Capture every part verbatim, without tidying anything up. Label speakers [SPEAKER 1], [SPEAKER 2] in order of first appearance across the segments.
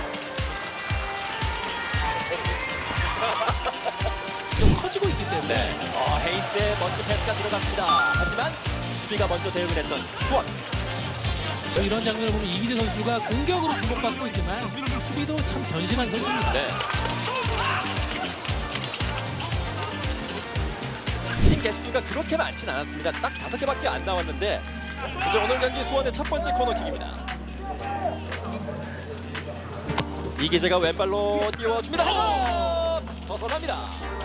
[SPEAKER 1] 좀 커지고 있기 때문에
[SPEAKER 2] 네. 어, 헤이스의 멋진 패스가 들어갔습니다. 하지만 수비가 먼저 대응을 했던 수원.
[SPEAKER 1] 또 이런 장면을 보면 이기재 선수가 공격으로 주목받고 있지만 수비도 참 변신한 선수입니다.
[SPEAKER 2] 네. 팀 개수가 그렇게 많진 않았습니다. 딱 다섯 개밖에 안 나왔는데 이제 오늘 경기 수원의 첫 번째 코너킥입니다. 이기재가 왼발로 띄워줍니다. 헤더! 벗어납니다.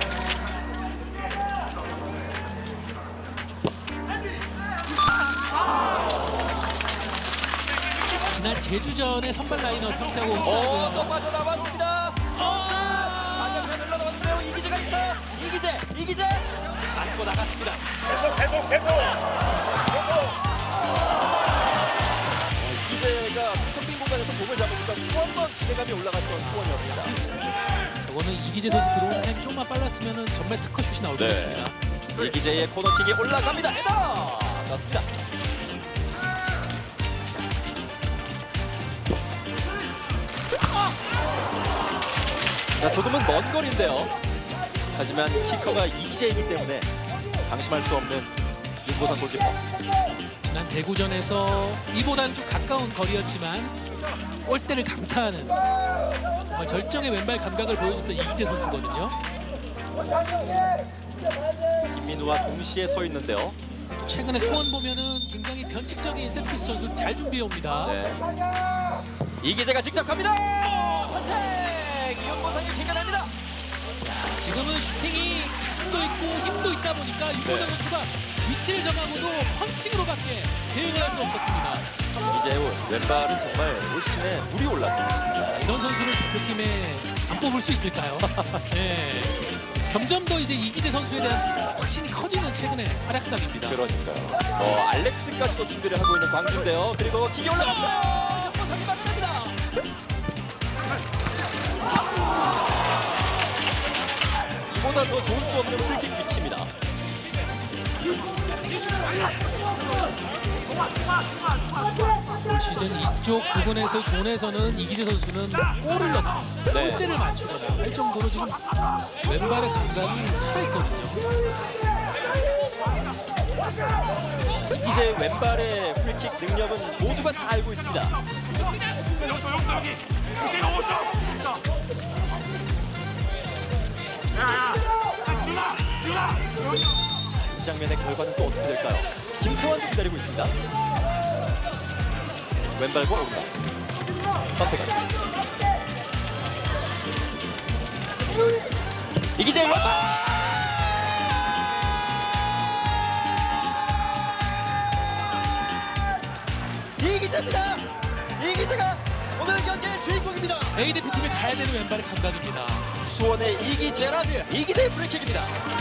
[SPEAKER 1] 지난 제주전의 선발 라인업 형태하고
[SPEAKER 2] 오, 또
[SPEAKER 1] 흡사하고요.
[SPEAKER 2] 빠져나왔습니다. 반격에 흘러나왔는데요. 이기재가 있어요. 이기재, 이기재 맞고 나갔습니다.
[SPEAKER 3] 계속 계속 계속
[SPEAKER 2] 이기재가 텅빈 공간에서 몸을 잡으니까 또 한 번 기대감이 올라갔던 수원이었습니다.
[SPEAKER 1] 이거는 이기재 선수 들어오는 타임 조금만 빨랐으면 정말 특허슛이 나올
[SPEAKER 2] 네.
[SPEAKER 1] 뻔했습니다.
[SPEAKER 2] 이기재의 코너킥이 올라갑니다. 헤더! 넣습니다. 자, 조금은 먼 거리인데요. 하지만 키커가 이기재이기 때문에 방심할 수 없는 윤보상 골키퍼.
[SPEAKER 1] 지난 대구전에서 이보다는 좀 가까운 거리였지만 골대를 강타하는 정말 절정의 왼발 감각을 보여줬던 이기재 선수거든요.
[SPEAKER 2] 김민우와 동시에 서 있는데요.
[SPEAKER 1] 최근에 수원 보면은 굉장히 변칙적인 세트피스 전술 잘 준비해 옵니다.
[SPEAKER 2] 네. 이기재가 직접 갑니다. 선택! 윤보상이 튕겨냅니다.
[SPEAKER 1] 야, 지금은 슈팅이 각도 있고 힘도 있다 보니까 윤보상
[SPEAKER 2] 네.
[SPEAKER 1] 선수가 위치를 정하고도 펀칭으로밖에 대응을 할 수 없었습니다.
[SPEAKER 2] 이재우 왼발은 정말 올 시즌에 물이 올랐습니다.
[SPEAKER 1] 이런 선수를 대표팀에 안 뽑을 수 있을까요? 네. 점점 더 이제 이기재 선수에 대한 확신이 커지는 최근의 활약상입니다.
[SPEAKER 2] 그러니까요. 어, 알렉스까지도 준비를 하고 있는 광주인데요. 그리고 기계 올라갔어요. 윤보상이 막아냅니다. 이보다 더 좋을 수 없는 프리킥 위치입니다.
[SPEAKER 1] 올 시즌 이쪽 부분에서 존에서는 이기재 선수는 골을 넣고
[SPEAKER 2] 네.
[SPEAKER 1] 골대를 맞추거나 할 정도로 지금 왼발의 감각이 살아있거든요.
[SPEAKER 2] 이제 왼발의 프리킥 능력은 모두가 다 알고 있습니다.
[SPEAKER 3] 여기 여기 여기 이제 오죠 야야 지훈아 지훈아
[SPEAKER 2] 이 장면의 결과는 또 어떻게 될까요? 김태환도 기다리고 있습니다. 왼발과 오른발 선택합니다. 이기재 왼발! 이기재입니다. 이기재가 오늘 경기의 주인공입니다.
[SPEAKER 1] A 대표팀에 가야 되는 왼발의 감각입니다.
[SPEAKER 2] 수원의 이기재라드 이기재의 프리킥입니다.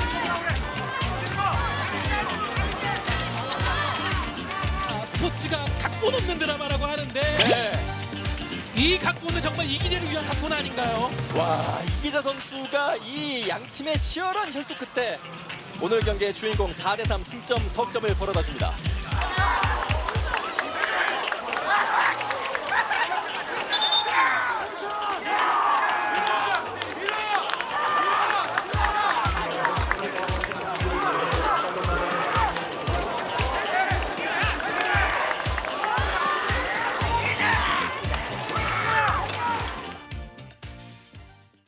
[SPEAKER 1] 아, 스포츠가 각본 없는 드라마라고 하는데
[SPEAKER 2] 네.
[SPEAKER 1] 이 각본은 정말 이기재를 위한 각본 아닌가요?
[SPEAKER 2] 와, 이기재 선수가 이 양 팀의 치열한 혈투 끝에 오늘 경기의 주인공 사 대 삼 승점 석점을 벌어다 줍니다.